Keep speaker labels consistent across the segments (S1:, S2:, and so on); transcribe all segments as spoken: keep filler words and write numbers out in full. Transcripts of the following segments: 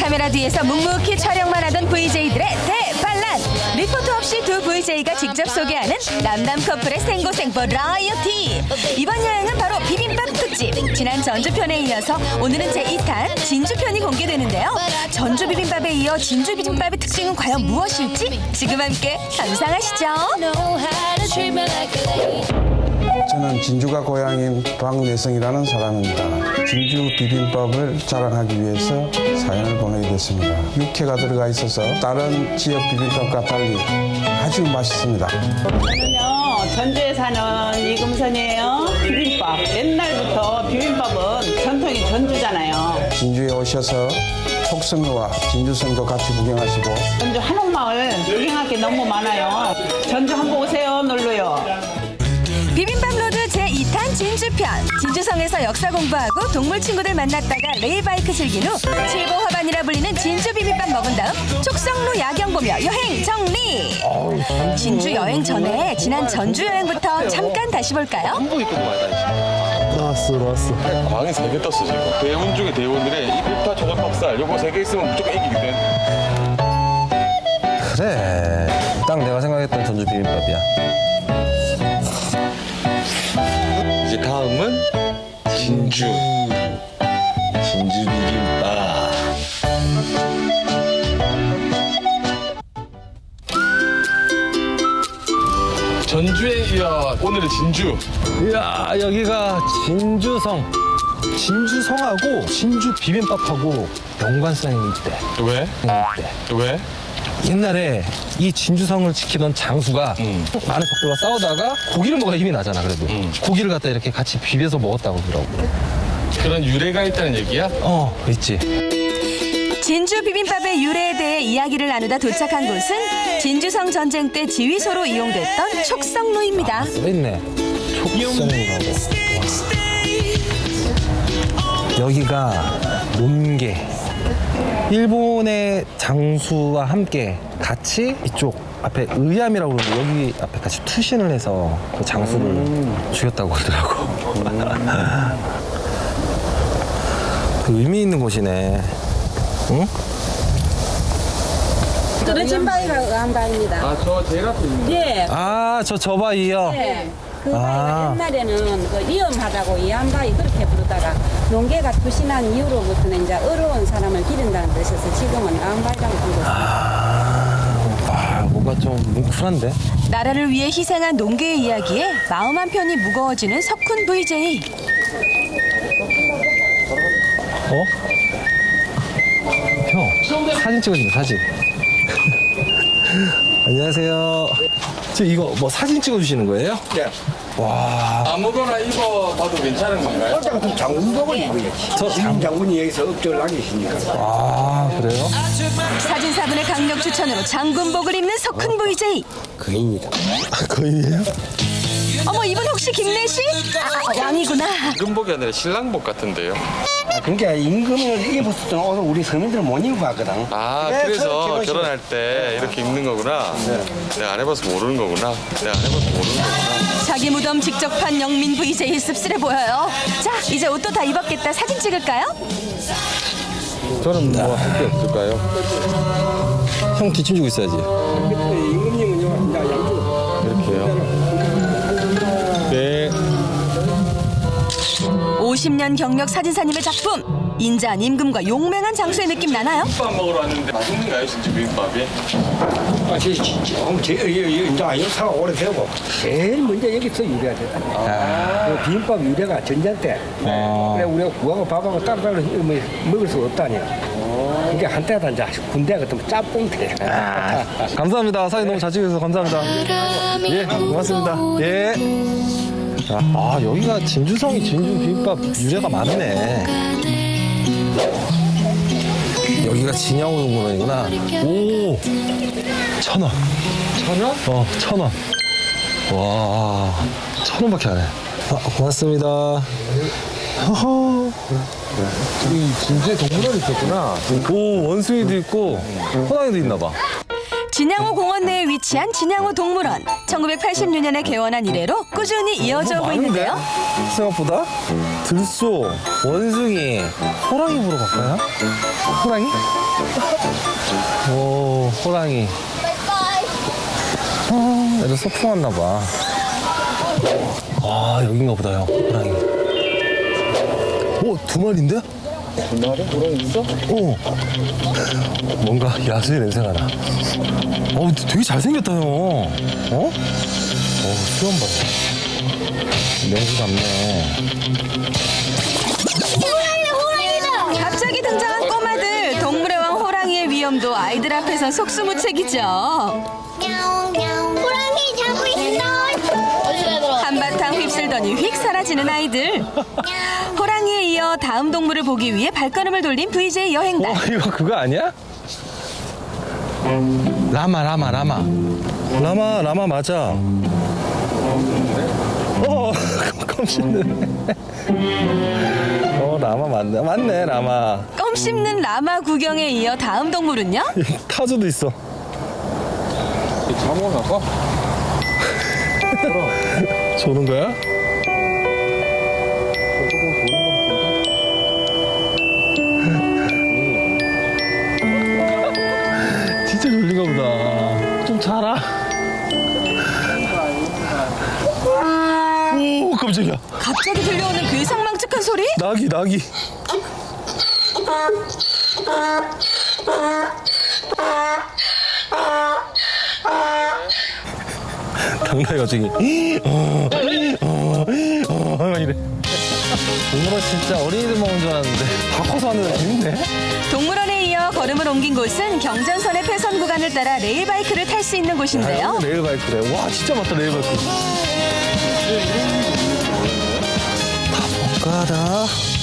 S1: 카메라 뒤에서 묵묵히 촬영만 하던 브이제이들의 대반란. 리포트 없이 두 브이제이가 직접 소개하는 남남 커플의 생고생 버라이어티. 이번 여행은 바로 비빔밥 특집. 지난 전주편에 이어서 오늘은 제이 탄 진주편이 공개되는데요. 전주 비빔밥에 이어 진주 비빔밥의 특징은 과연 무엇일지 지금 함께 감상하시죠.
S2: 저는 진주가 고향인 박내성이라는 사람입니다. 진주 비빔밥을 자랑하기 위해서 사연을 보내게 됐습니다. 육회가 들어가 있어서 다른 지역 비빔밥과 달리 아주 맛있습니다.
S3: 저는요, 전주에 사는 이금선이에요. 비빔밥. 옛날부터 비빔밥은 전통이 전주잖아요.
S2: 진주에 오셔서 촉성로와 진주성도 같이 구경하시고
S3: 전주 한옥마을 구경할 게 너무 많아요. 전주 한번 오세요, 놀러요.
S1: 비빔밥 로드 제이 탄 진주편. 진주성에서 역사 공부하고 동물 친구들 만났다가 레일바이크 즐긴 후 칠보 화반이라 불리는 진주 비빔밥 먹은 다음 촉성로 야경 보며 여행 정리. 진주 여행 전에 지난 전주 여행부터 잠깐 다시 볼까요?
S4: 한복 입고 많이 다니시네.
S5: 나왔어 나왔어.
S4: 광이 세 개 떴어 지금. 대원 중에 대원들의 이 일타 조각박살 요거 세 개 있으면 무조건 이기거든.
S5: 그래 딱 내가 생각했던 전주 비빔밥이야.
S4: 이제 다음은 진주. 진주 비빔밥. 전주에 이어 오늘은 진주.
S5: 이야 여기가 진주성. 진주성하고 진주 비빔밥하고 연관성이 있대.
S4: 왜?
S5: 있대.
S4: 왜?
S5: 옛날에 이 진주성을 지키던 장수가
S4: 음.
S5: 많은 적들과 싸우다가 고기를 먹어야 힘이 나잖아. 그래도
S4: 음.
S5: 고기를 갖다 이렇게 같이 비벼서 먹었다고 그러더라고.
S4: 그런 유래가 있다는 얘기야?
S5: 어 있지.
S1: 진주 비빔밥의 유래에 대해 이야기를 나누다 도착한 곳은 진주성 전쟁 때 지휘소로 이용됐던 촉성로입니다.
S5: 써있네. 촉성이라고. 와. 여기가 논계. 일본의 장수와 함께 같이 이쪽 앞에 의암이라고 그러는데 여기 앞에 같이 투신을 해서 그 장수를 음. 죽였다고 그러더라고. 음. 그 의미 있는 곳이네. 응?
S6: 떨어진 바위가 의암바위입니다.
S4: 아, 저 제일 앞에 있는
S6: 예.
S5: 아, 저 저바이요?
S6: 네. 그
S5: 아.
S6: 바위가 옛날에는 그 위험하다고 의암바위 그렇게 부르다가 농계가 투신한 이후로부터는 이제 어려운 사람을 기른다는 뜻에서 지금은 의암바위라고 부르고
S5: 아, 와, 뭔가 좀 뭉클한데?
S1: 나라를 위해 희생한 농계의 이야기에 마음 한편이 무거워지는 석훈 브이제이.
S5: 어? 형, 사진 찍어준다, 사진. 안녕하세요. 지금 이거 뭐 사진 찍어주시는 거예요?
S4: 네.
S5: 와.
S4: 아무거나 입어봐도 괜찮은 건가요?
S7: 어쨌든 장군복을 입어야지.
S5: 저
S7: 장 장군이 여기서 업적을 하고 계시니까.
S5: 아, 그래요?
S1: 사진사분의 강력 추천으로 장군복을 입는 석훈 브이제이.
S7: 그입니다.
S5: 아, 거인이에요?
S1: 어머, 이분 혹시 김내시? 아, 왕이구나.
S4: 금복이 아니라 신랑복 같은데요.
S7: 아, 그러니까 임금을 입었던 옷을 우리 서민들은 못 입고 가거든.
S4: 아, 그래서
S7: 결혼식-
S4: 결혼할 때 이렇게 입는 거구나. 내가 안 해봐서 모르는 거구나. 내가 안 해봐서 모르는 거구나.
S1: 자기 무덤 직접 판 영민 브이제이 씁쓸해 보여요. 자, 이제 옷도 다 입었겠다. 사진 찍을까요?
S5: 저는 뭐 할 게 없을까요? 형 뒷짐지고 있어야지.
S7: 임금님은 이제 양쪽.
S5: 이렇게요? 네.
S1: 오십 년 경력 사진사님의 작품. 인자한 임금과 용맹한 장수의 느낌 나나요?
S4: 비빔밥 먹으러 왔는데 맛있는가요, 진짜 비빔밥이?
S7: 아, 제, 제, 제, 이제 역사가 오래되고 제일 먼저 여기서 유래가 됐다. 비빔밥 유래가 전쟁 때. 그래 우리가 구하고 밥하고 따로따로 먹을 수 없다니. 이게 한때다 이제 군대 같으면 짬뽕대.
S5: 감사합니다. 사진 너무 잘 찍어주셔서 감사합니다. 예, 고맙습니다. 예. 자, 아, 여기가 진주성이 진주 비빔밥 유래가 많네. 여기가 진양우동물원이구나. 오, 천 원. 천 원? 어, 천 원. 와, 천 원밖에 안 해. 아, 고맙습니다. 허허. 이 진주에 동물원이 있었구나. 오, 원숭이도 있고 호랑이도 있나 봐.
S1: 진양호 공원 내에 위치한 진양호 동물원. 천구백팔십육 년에 개원한 이래로 꾸준히 이어져 오고 있는데요.
S5: 생각보다 들소, 원숭이, 호랑이 보러 갈까요? 호랑이? 오, 호랑이. 아, 애들 소풍 왔나 봐. 아, 여긴가 보다요, 호랑이. 오, 두 마리인데? 두 마리? 호랑이 있어? 오. 뭔가 야수의 냄새가 나. 어, 되게 잘생겼다, 형. 어? 어, 수염 봐요. 명수 같네.
S1: 갑자기 등장한 꼬마들. 동물의 왕 호랑이의 위험도 아이들 앞에선 속수무책이죠.
S8: 호랑이 자고 있어.
S1: 한바탕 휩쓸더니 휙 사라지는 아이들. 호랑이에 이어 다음 동물을 보기 위해 발걸음을 돌린 브이제이 여행단.
S5: 어, 이거 그거 아니야? 라마, 라마, 라마. 라마, 라마 맞아. 어, 껌 씹는. 어, 라마 맞네. 맞네, 라마.
S1: 껌 씹는 라마 구경에 이어 다음 동물은요?
S5: 타조도 있어.
S4: 잠깐 갈까?
S5: 조는 거야? 진짜 졸린가 보다. 좀 자라. 오, 깜짝이야.
S1: 갑자기 들려오는 그 상망측한 소리?
S5: 낙이, 낙이. 당나귀 갑자기 어, 어, 어, 막 이래. 동물원 진짜 어린이들 먹은 줄 알았는데 다 커서 하는 재밌네.
S1: 동물원에 이어 걸음을 옮긴 곳은 경전선의 폐선 구간을 따라 레일바이크를 탈 수 있는 곳인데요.
S5: 아, 레일바이크래. 와, 진짜 맞다, 레일바이크. 가다.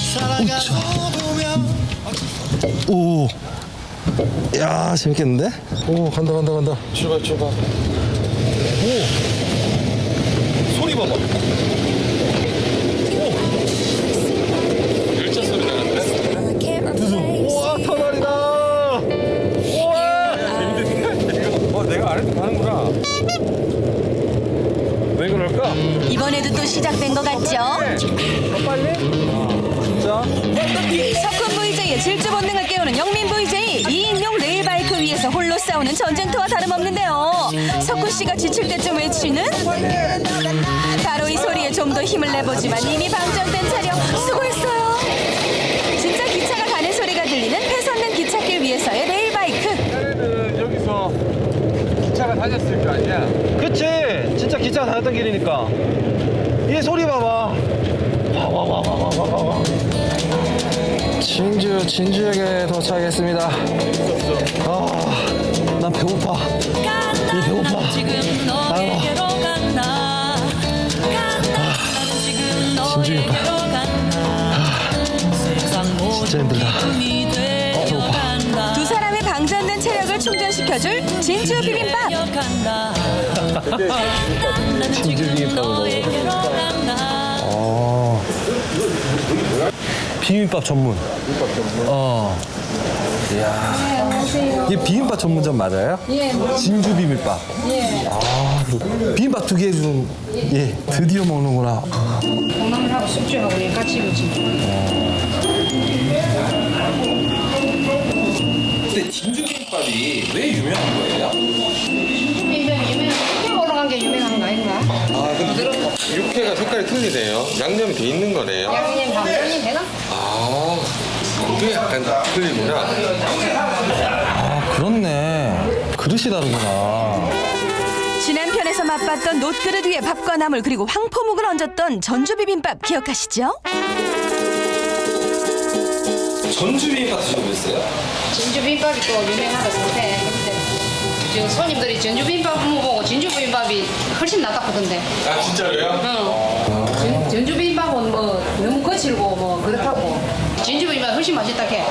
S5: 오. 야, 재밌겠는데? 오, 간다, 간다, 간다.
S4: 출발 출발.
S5: 오. 소리 봐봐.
S4: 열차 소리 나는데?
S5: 우와, 터널이다. 우와.
S4: 어 내가 안 해도 가는구나.
S5: 왜 그럴까?
S1: 이번에도 또 시작된 것 같죠?
S5: 진짜?
S1: 석훈 브이제이의 질주 본능을 깨우는 영민 브이제이. 이인용 레일바이크 위에서 홀로 싸우는 전쟁터와 다름없는데요. 석훈 씨가 지칠 때쯤 외치는 바로 이 소리에 좀 더 힘을 내보지만 이미 방전된 차량. 수고했어요. 진짜 기차가 가는 소리가 들리는 폐선된 기찻길 위에서의 레일바이크.
S4: 옛날에는 여기서 기차가 다녔을 거 아니야?
S5: 그치? 진짜 기차가 다녔던 길이니까. 이 소리 봐봐. 와와와와와와. 진주 진주역에 도착했습니다. 아, 난 배고파. 이 배고파. 아, 진주역파. 진짜 힘들다. 어, 배고파.
S1: 두 사람의 방전된 체력을 충전시켜줄 진주 비빔밥.
S5: 진주 비빔밥을 먹어. 어. 비빔밥 전문. 비빔밥 전문. 어. 이야. 이게 비빔밥 전문점 맞아요?
S6: 예.
S5: 진주 비빔밥.
S6: 예.
S5: 아, 비빔밥 두 개 좀, 예, 드디어 먹는구나.
S6: 콩나물하고 숙주하고 같이 그치.
S9: 근데 진주 비빔밥이 왜 유명한 거예요?
S6: 유명한 육회 올라간 게 유명한 거 아닌가?
S4: 아 근데 육회가 색깔이 틀리네요. 양념이 돼 있는 거네요.
S6: 양념 반반이 되나?
S4: 아 그게 약간 틀리구나.
S5: 아, 그렇네. 그릇이 다르구나.
S1: 지난 편에서 맛봤던 놋그릇 위에 밥과 나물 그리고 황포묵을 얹었던 전주 비빔밥 기억하시죠?
S9: 전주 비빔밥 드셔보셨어요?
S6: 진주 비빔밥이 또 유명하다 상태. 지금 손님들이 전주 비빔밥 먹고 진주 비빔밥이 훨씬 낫다거든데.
S4: 아 진짜로요?
S6: 응. 전, 전주 비빔밥은 뭐 너무 거칠고 뭐 그렇다고. 진주 비빔밥 훨씬 맛있다 해.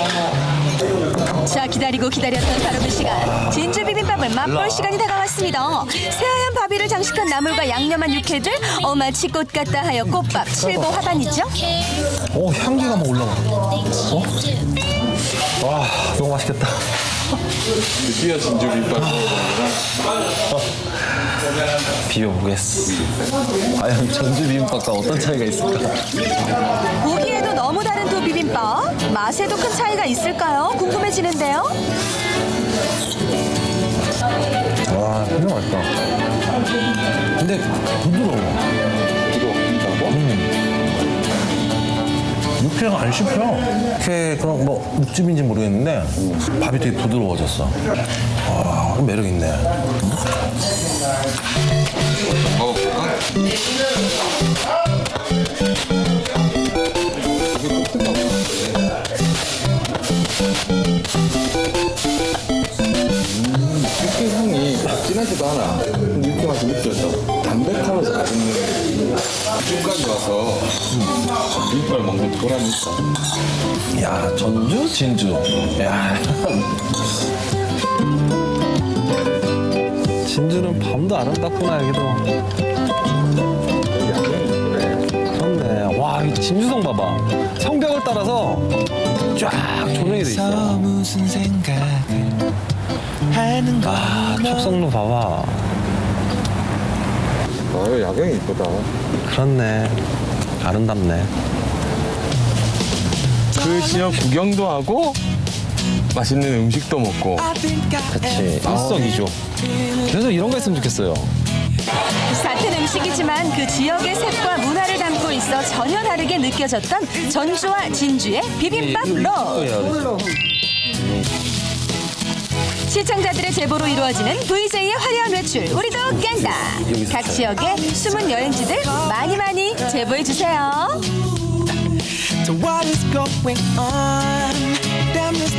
S1: 자, 기다리고 기다렸던 바로 그 시간. 진주 비빔밥을 맛볼 시간이 다가왔습니다. 새하얀 바비를 장식한 나물과 양념한 육회들. 어, 마치 꽃 같다 하여 꽃밥 칠보 화반이죠?
S5: 오, 향기가 막 올라와. 어? 와, 너무 맛있겠다.
S4: 드디어 진주 비빔밥 먹어보는구나.
S5: 비벼보겠어. 과연 전주 비빔밥과 어떤 차이가 있을까?
S1: 보기에도 너무 다른 두 비빔밥. 맛에도 큰 차이가 있을까요? 궁금해지는데요.
S5: 와, 정말 맛있다. 근데 부드러워.
S4: 부드럽다고?
S5: 육회가 안 씹혀. 육회 그런 뭐 육즙인지 모르겠는데 밥이 되게 부드러워졌어. 와, 매력 있네.
S4: 먹어볼까? 육회 향이 진하지도 않아. 육회 맛이 느껴져. 담백하면서 맛있는 집까지 와서 비빔밥을 먹는 보람이 있어.
S5: 야, 전주, 진주. 야. 진주는 밤도 아름답구나, 여기도. 그렇네. 와, 이 진주성 봐봐. 성벽을 따라서 쫙 조명이 돼 있어.
S10: 무슨 생각을 하는
S5: 아, 촉성로 봐봐.
S4: 아, 이거 야경이 이쁘다.
S5: 그렇네. 아름답네.
S4: 그 지역 구경도 하고 맛있는 음식도 먹고.
S5: 그치. 일석이조. 그래서 이런 거 했으면 좋겠어요.
S1: 같은 음식이지만 그 지역의 색과 문화를 담고 있어 전혀 다르게 느껴졌던 전주와 진주의 비빔밥 롤. 시청자들의 제보로 이루어지는 브이제이의 화려한 외출 우리도 깬다. 각 지역의 숨은 여행지들 많이 많이 제보해 주세요.
S10: So what is going on? Damn this